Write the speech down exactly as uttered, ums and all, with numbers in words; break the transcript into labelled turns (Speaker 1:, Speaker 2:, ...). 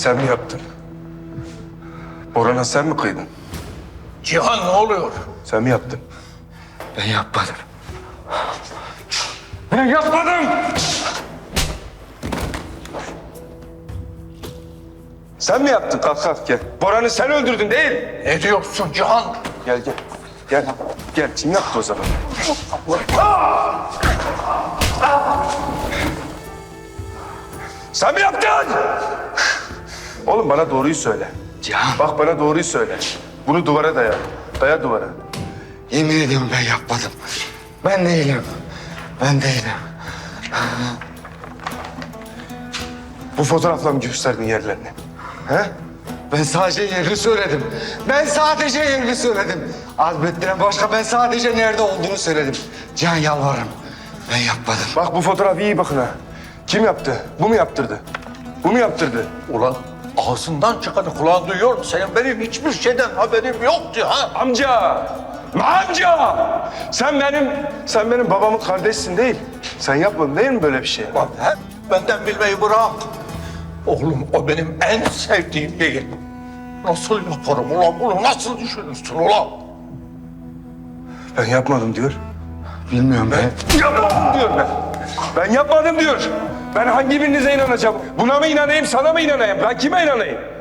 Speaker 1: Sen mi yaptın? Boran'a sen mi kıydın?
Speaker 2: Cihan ne oluyor?
Speaker 1: Sen mi yaptın?
Speaker 3: Ben yapmadım.
Speaker 1: Ben yapmadım! Sen mi yaptın? Kalk kalk gel. Boran'ı sen öldürdün değil.
Speaker 2: Ne diyorsun Cihan?
Speaker 1: Gel gel. Gel. Gel. Kim yaptı o zaman? Sen mi yaptın? Oğlum bana doğruyu söyle.
Speaker 3: Cihan,
Speaker 1: Bak bana doğruyu söyle. Bunu duvara daya. Daya duvara.
Speaker 3: yemin ediyorum ben yapmadım. Ben değilim. Ben değilim.
Speaker 1: Bu fotoğrafla mı gösterdin yerlerini? He?
Speaker 3: Ben sadece yerini söyledim. Ben sadece yerini söyledim. Azmettiren başka, ben sadece nerede olduğunu söyledim. Cihan yalvarırım. Ben yapmadım.
Speaker 1: Bak bu fotoğraf iyi bakın ha. Kim yaptı? Bu mu yaptırdı? Bu mu yaptırdı?
Speaker 2: Ulan ağzından çıkanı kulağın duyuyor mu? Senin benim hiçbir şeyden haberim yok Cihan.
Speaker 1: Amca! Amca! Sen benim, sen benim babamın kardeşsin değil. Sen yapmadın değil mi böyle bir şey?
Speaker 2: Lan hep benden bilmeyi bırak. Oğlum o benim en sevdiğim değil. Nasıl yaparım ulan bunu? Nasıl düşünürsün ulan?
Speaker 1: Ben yapmadım diyor.
Speaker 3: Bilmiyorum ben.
Speaker 1: Yapmadım diyor ben. Ben yapmadım diyor. Ben hangi birinize inanacağım? Buna mı inanayım, sana mı inanayım? Ben kime inanayım?